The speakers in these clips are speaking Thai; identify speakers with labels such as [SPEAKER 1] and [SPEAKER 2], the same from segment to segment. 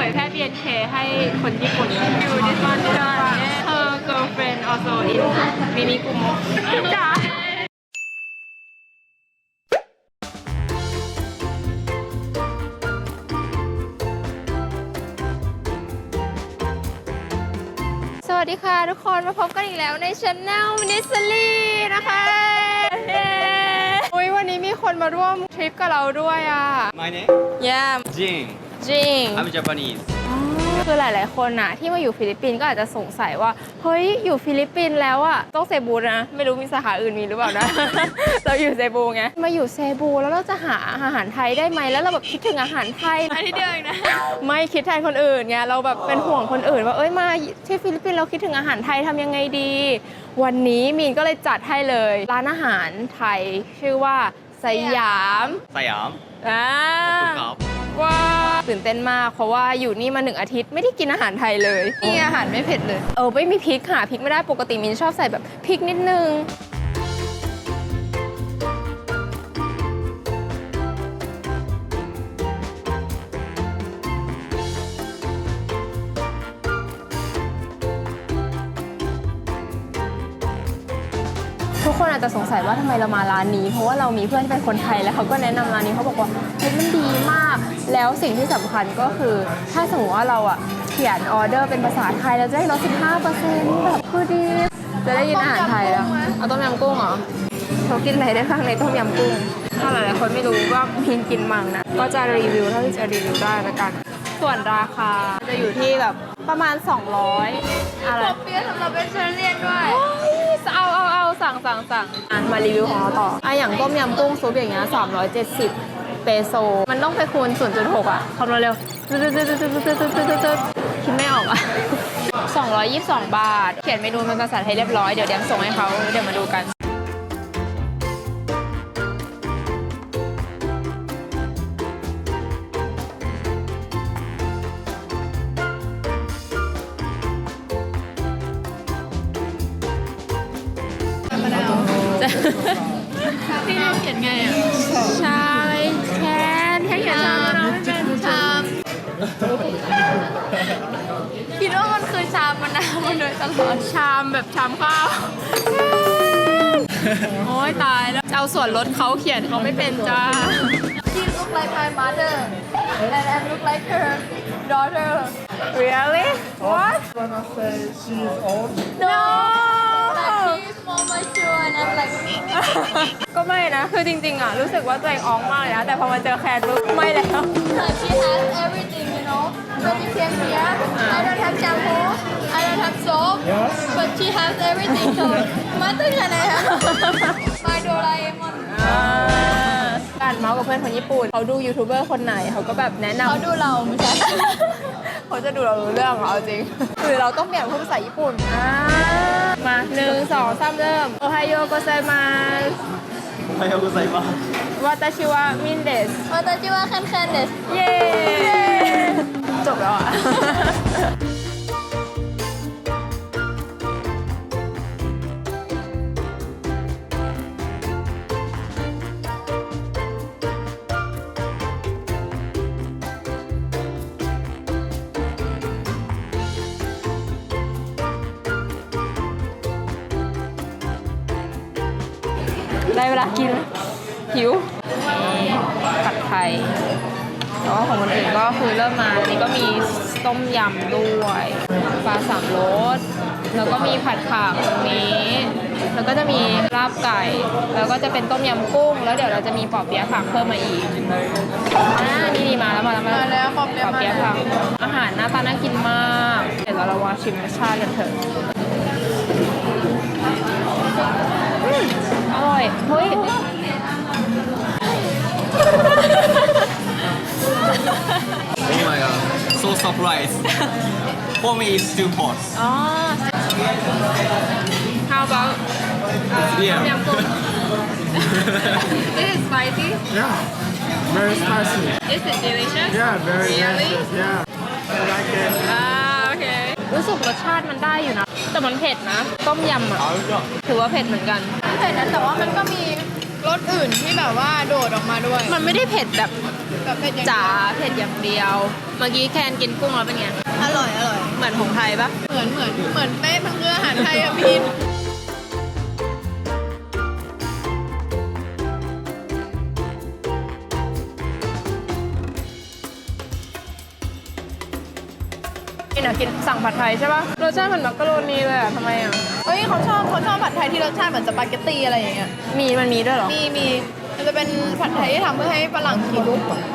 [SPEAKER 1] ยแพร่ BNK ให้คนญี่ปุ่นอยู่ดิสมันด้วย Her girlfriend also in มินิกุโมะจ้าสวัสดีค่ะทุกคนมาพบกันอีกแล้วใน Channel มินิสลีนะคะวันนี้มีคนมาร่วมทริปกับเราด้วยอ่ะ
[SPEAKER 2] My name?
[SPEAKER 1] Yeah
[SPEAKER 2] Jin.
[SPEAKER 1] จริง
[SPEAKER 2] I'm Japanese.
[SPEAKER 1] คือหลายๆคนน่ะที่มาอยู่ฟิลิปปินส์ก็อาจจะสงสัยว่าเฮ้ยอยู่ฟิลิปปินส์แล้วอ่ะต้องเซบูนะไม่รู้มีสาขาอื่นมีหรือเปล่านะ เราอยู่เซบูไงมาอยู่เซบูแล้วเราจะหาอาหารไทยได้ไหมแล้วเราแบบคิดถึงอาหารไทยที่เดียวนะไม่คิดแทนคนอื่นไงเราแบบเป็นห่วงคนอื่นว่าเอ้ยมาที่ฟิลิปปินส์เราคิดถึงอาหารไทยทำยังไงดีวันนี้มีนก็เลยจัดให้เลยร้านอาหารไทยชื่อว่าสยาม
[SPEAKER 2] Siam.
[SPEAKER 1] ว้าวตื่นเต้นมากเพราะว่าอยู่นี่มา1 อาทิตย์ไม่ได้กินอาหารไทยเลยนี่อาหารไม่เผ็ดเลยไม่มีพริกหาพริกไม่ได้ปกติมินชอบใส่แบบพริกนิดนึงทุกคนอาจจะสงสัยว่าทำไมเรามาร้านนี้เพราะว่าเรามีเพื่อนที่เป็นคนไทยแล้วเขาก็แนะนำร้านนี้เขาบอกว่าเฮ้ยมันดีมากแล้วสิ่งที่สำคัญก็คือถ้าสมมติว่าเราอ่ะเขียนออเดอร์เป็นภาษาไทยเราจะได้ลด 15% แบบคือดีจะได้กินอาหารไทยแล้วเอาต้มยำกุ้งเหรอเขากินอะไรได้บ้างในต้มยำกุ้งถ้าหลายๆคนไม่รู้ว่ามินกินมังนะก็จะรีวิวเท่าที่จะรีวิวได้ละกันส่วนราคาจะอยู่ที่แบบประมาณ200อะไรเปี๊ยะสำหรับเป็นเชอเรียนด้วยเอาสั่งมารีวิวของเราต่ออย่างต้มยำกุ้งซุปอย่างเงี้ย370เปโซมันต้องไปคูณ 0.6 อ่ะคำนวณเร็วคิดไม่ออกอ่ะ222 บาทเขียนเมนูเป็นภาษาไทยเรียบร้อยเดี๋ยวส่งให้เขาเดี๋ยวมาดูกันพี่เขียนไงอ่ะชาเลยแคนแค่เขียนชามนะไม่เป็นชามคิดว่ามันคือชามมะนาวมาโดยตลอดชามแบบชามข้าวโอ้ยตายแล้วเอาส่วนลดเขาเขียนเขาไม่เป็นจ้า She look like my mother and I look like her daughter Really? What?
[SPEAKER 3] Gonna say she's old.
[SPEAKER 1] No
[SPEAKER 4] She's more mature and I'm like
[SPEAKER 1] ก็ไม่นะ คือจริงๆอ่ะรู้สึกว่าตัวเองอ้องมากเลยนะ แต่พอมาเจอแคนปุ๊บไม่แล้ว
[SPEAKER 4] she has everything you know when you came here I don't have shampoo I don't have soap
[SPEAKER 3] Yes.
[SPEAKER 4] but she has everything so mother can I have my Doraemon
[SPEAKER 1] การเมาส์กับเพื่อนคนญี่ปุ่นเขาดูยูทูบเบอร์คนไหนเขาก็แบบแนะนำ
[SPEAKER 4] เขาดูเราไม่ใช่
[SPEAKER 1] เขาจะดูเรารู้เรื่องเหรอเอาจริงคือเราต้องเปลี่ยนพูดภาษาญี่ปุ่นมา1 2 3เริ่มโอไฮโอโกไซมาส
[SPEAKER 2] Ohayou gozaimasu.
[SPEAKER 1] วาตาชิวะมินเดส
[SPEAKER 4] 私はカンカンです
[SPEAKER 1] เย้จบแล้วอ่ะได้เวลากินหิวผัดไทยแต่ว่าของคนอื่นก็คือเริ่มมาอันนี้ก็มีต้มยำด้วยปลาสามรสแล้วก็มีผัดผักตรงนี้แล้วก็จะมีลาบไก่แล้วก็จะเป็นต้มยำกุ้งแล้วเดี๋ยวเราจะมีปอเปี๊ยะผักเพิ่มมาอีกนี่มาแล้วปอเปี๊ยะผักอาหารหน้าตาน่ากินมากเดี๋ยวเราลองชิมรสชาติกันเถอะอร่อยเฮ้ย
[SPEAKER 2] Oh my god. So surprised. For me, it's too hot.
[SPEAKER 1] อ๋อ How about
[SPEAKER 2] Yeah.
[SPEAKER 1] ยำกุ้ง Is it spicy?
[SPEAKER 3] Yeah. Very spicy.
[SPEAKER 1] Is it delicious?
[SPEAKER 3] Yeah, very
[SPEAKER 1] Really?
[SPEAKER 3] delicious. Yeah. I like it.
[SPEAKER 1] โอเครู้สึกรสชาติมันได้อยู่นะแต่มันเผ็ดนะต้มยำอ่ะถือว่าเผ็ดเหมือนกัน
[SPEAKER 4] เผ็ดนะแต่ว่ามันก็มีรรสอื่นที่แบบว่าโดดออกมาด้วย
[SPEAKER 1] มันไม่ได้เผ็ดแบบ
[SPEAKER 4] แบบเผ็ดอย่าง
[SPEAKER 1] จ๋า
[SPEAKER 4] เดียว
[SPEAKER 1] เผ็ดอย่างเดียว เมื่อกี้แคนกินกุ้งแล้วเป็นไง
[SPEAKER 4] อร่อยอร่อย
[SPEAKER 1] เหมือนของไทยปะ
[SPEAKER 4] เหมือนเป๊ะมันคืออาหารไทยอะพี่
[SPEAKER 1] กินอะกินสั่งผัดไทยใช่ปะรสชาติเหมือนมักกะโรนีเลยอะทำไมอะ
[SPEAKER 4] เฮ้ยเขาชอบผัดไทยที่รสชาติเหมือนสปาเกตตีอะไรอย่างเงี้ย
[SPEAKER 1] มันมีด้วยเหรอ
[SPEAKER 4] มีมันจะเป็นผัดไทยที่ทำเพื่อให้ฝรั่งกิน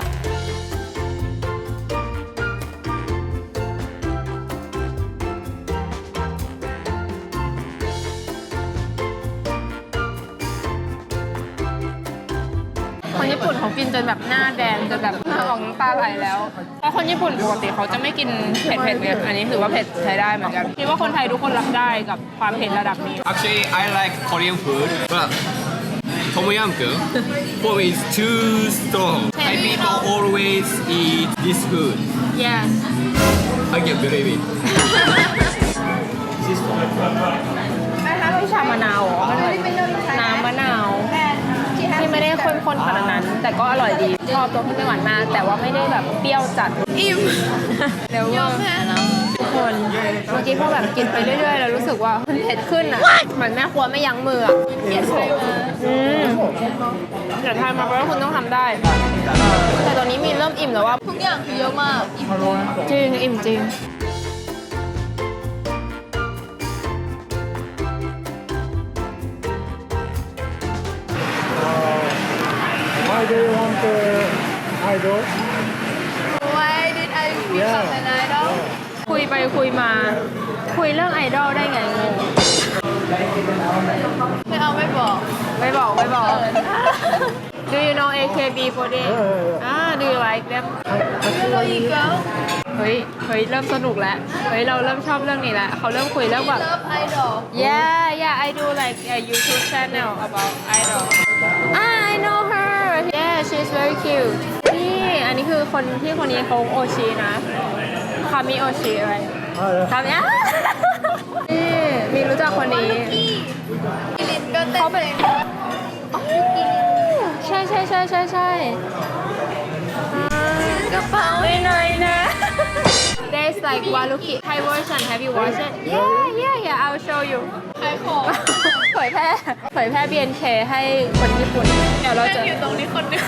[SPEAKER 1] คนญี่ปุ่นเขากินจนแบบหน้าแดงจนแบบหน้าออกน้ำตาไหลแล้วเพราะคนญี่ปุ่นปกติเขาจะไม่กินเผ็ดไงอันนี้ถือว่าเผ็ดใช้ได้เหมือนกันคิดว่าคนไทยทุกคนรับได้กับความเผ็ดระดับนี้
[SPEAKER 2] Actually, I like Korean food, but Tom Yum Goong for me is too strong. Thai people always eat this food.
[SPEAKER 1] yes
[SPEAKER 2] I can't believe it.
[SPEAKER 1] นะคะไม่ชามะนาวเหรอน้ำมะนาวที่ไม่ได้ข้นๆขนาดนั้น แต่ก็อร่อยดีชอบตรงที่ไม่หวานมากแต่ว่าไม่ได้แบบเปรี้ยวจัด
[SPEAKER 4] อิ่ม
[SPEAKER 1] เดี๋ยวย
[SPEAKER 4] อมแพ้แล้ว
[SPEAKER 1] ทุกคนเมื่อกี้พอแบบกินไปเรื่อยๆแล้วรู้สึกว่ามันเผ็ดขึ้นอ่ะเหมือนแม่ครัวไม่ยั้งมืออ่ะ
[SPEAKER 4] เขียนใครมา
[SPEAKER 1] เดี๋ยวทายมาเพราะว่าคุณต้องทำได้ แต่ตอนนี้มีเริ่มอิ่มแล้วว่า
[SPEAKER 4] ทุกอย่างคือเยอะมากอิ่ม
[SPEAKER 1] จริงอิ่มจริง
[SPEAKER 3] Why do you want the idol?
[SPEAKER 4] Why did I become an idol
[SPEAKER 1] คุยไปคุยมา คุยเรื่องไอดอลได้ไงงง
[SPEAKER 4] ไม่เอาไม่บอก
[SPEAKER 1] ไม่บอก Do you know AKB48 Do you like them
[SPEAKER 4] ไม่รู้อีกแล้ว
[SPEAKER 1] เฮ้ยเริ่มสนุกแล้วเฮ้ยเราเริ่มชอบเรื่องนี้แล้วเขาเริ่มคุยเรื่องแบบ
[SPEAKER 4] Love idol
[SPEAKER 1] Yeah I do like a YouTube channel about idol I know her Yeah she's very cute นี่อันนี้คือคนนี้เขาโอชินะคามิโอชิอะไรคามินี่มีรู้จักคนนี้
[SPEAKER 4] พี่กิลินก็เต้น
[SPEAKER 1] เขาเป็น ใช่
[SPEAKER 4] กระเป๋า
[SPEAKER 1] ไม่น้อยนะ There's like Waluki Thai version Have you watched it Yeah I'll show you
[SPEAKER 4] ขายของ
[SPEAKER 1] เผยแพร่ BNK ให้คนญี่ปุ่น เดี๋ยวเรา
[SPEAKER 4] แม่
[SPEAKER 1] จะ
[SPEAKER 4] งอยู่ตรงนี้คนหนึง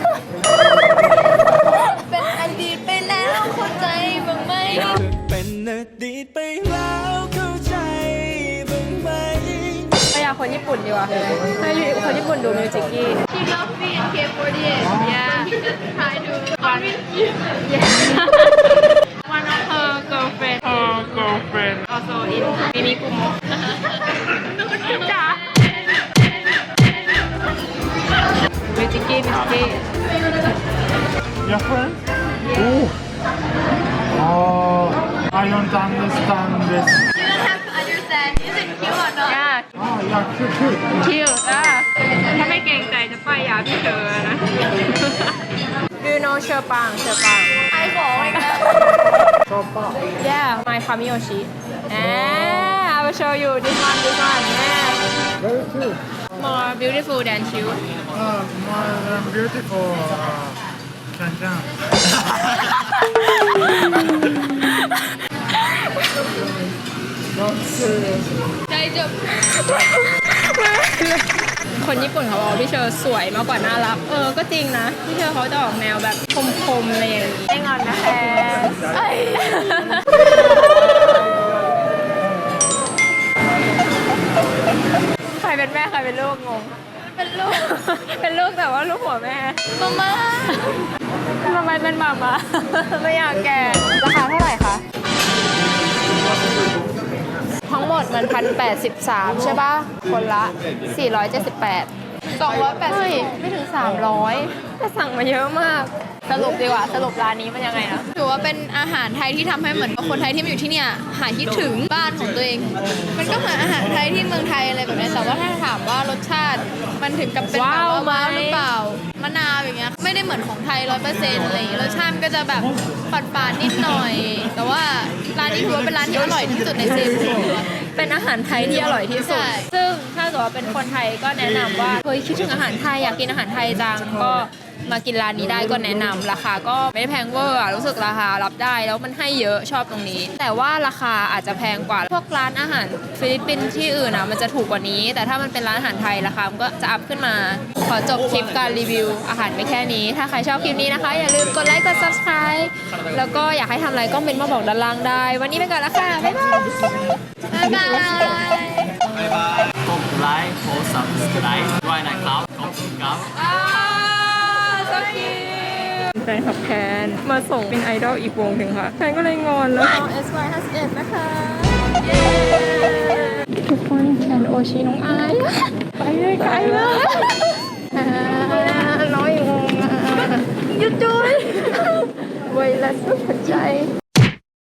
[SPEAKER 4] เป็นอดีตไปแล้วเข้าใจบ้างไหม
[SPEAKER 5] เป็นอดีตไปแล้วเข้าใจบ้างไหม
[SPEAKER 1] ไปอยากคนญี่ปุ่นดีกว่าให้คนญี่ปุ่นดูมิวจิกกี้
[SPEAKER 4] She loves me in K48 Yeah He just try to convince you
[SPEAKER 1] One of her girlfriend also in Minikumo จ้ามิวจิกกี้
[SPEAKER 3] Your friend? Oh. I don't understand this.
[SPEAKER 4] You don't have to understand is it cute or not
[SPEAKER 1] Yeah
[SPEAKER 3] Yeah, cute.
[SPEAKER 1] คิวถ้าไม่เกรงใจจะป้ายยาพี่เธอนะ Do you know เชอปัง
[SPEAKER 4] ขายของอีกแล้ว
[SPEAKER 1] Yeah my Kamiyoshi I will show you this one Yeah
[SPEAKER 3] Very cute.
[SPEAKER 1] more beautiful than you
[SPEAKER 3] My beautiful Can. Not serious.
[SPEAKER 4] ใจจบ
[SPEAKER 1] คนญี่ปุ่นเขาบอกว่าพี่เชอสวยมากกว่าน่ารักก็จริงนะพี่เชอเขาจะออกแนวแบบคมๆอะไรอย่างนี้ไม่งอนนะแฟนใครเป็นแม่ใครเป็นลูกงง
[SPEAKER 4] เป็นลูก
[SPEAKER 1] เป็นลูกแต่ว่าลูกหัวแม่
[SPEAKER 4] มาม่า
[SPEAKER 1] ทำไมเป็นหมามาไม่อยากแก่ราคาเท่าไหร่คะทั้งหมดมัน1,083ใช่ป่ะคนละ478
[SPEAKER 4] 280
[SPEAKER 1] เฮ้ยไม่ถึง300แต่สั่งมาเยอะมากสรุปดีกว่าสรุปร้านนี้มันยังไงนะ
[SPEAKER 4] ถือว่าเป็นอาหารไทยที่ทำให้เหมือนคนไทยที่มาอยู่ที่เนี่ยหายคิดถึงบ้านของตัวเอง มันก็เหมือนอาหารไทยที่เมืองไทยอะไรแบบนี้แต่ว่าถ้าถามว่ารสชาติมันถึงกับเป็นแบบว่าว้าวหรือเปล่ามะนาวอย่างเงี้ยไม่ได้เหมือนของไทย100%อะไรอย่างเงี้ยรสชาติมันก็จะแบบฝาดๆนิดหน่อย แต่ว่าร้านนี้ถือว่าเป็นร้านที่อร่อยที่สุดในเซบู
[SPEAKER 1] เป็นอาหารไทยที่อร่อยที่สุด
[SPEAKER 4] ใช่
[SPEAKER 1] ซึ่งถ้าาเกิดว่าเป็นคนไทยก็แนะนำว่าเฮ้ยคิดถึงอาหารไทยอยากกินอาหารไทยจังก็มากินร้านนี้ได้ก็แนะนำราคาก็ไม่ได้แพงเวอร์รู้สึกราคารับได้แล้วมันให้เยอะชอบตรงนี้ แต่ว่าราคาอาจจะแพงกว่าพวกร้านอาหารฟิลิปปินส์ที่อื่นมันจะถูกกว่านี้ แต่ถ้ามันเป็นร้านอาหารไทยราคามันก็จะอัพขึ้นมาขอจบคลิปการรีวิวอาหารไปแค่นี้ถ้าใครชอบคลิปนี้นะคะอย่าลืมกดไลค์กด subscribe แล้วก็อยากให้ทำอะไรก็เมนต์มาบอกด้านล่างได้วันนี้ไปก่อนแล้วค่ะบ๊ายบาย
[SPEAKER 4] บ๊ายบาย
[SPEAKER 2] บ๊ายบายกดไลค์กด subscribe ด้วยนะครับขอบคุณครับ
[SPEAKER 1] แฟนขับแคนมาส่งเป็นไอดอลอีกวงหนึ่งค่ะแฟนก็เลยงอนแล้วน้อง SY51 นะคะทุกคนแฟนโอชิน้องอายไปเลยไกลเลยน้อยงงหยุดจุ้ยไวรัสหัวใจ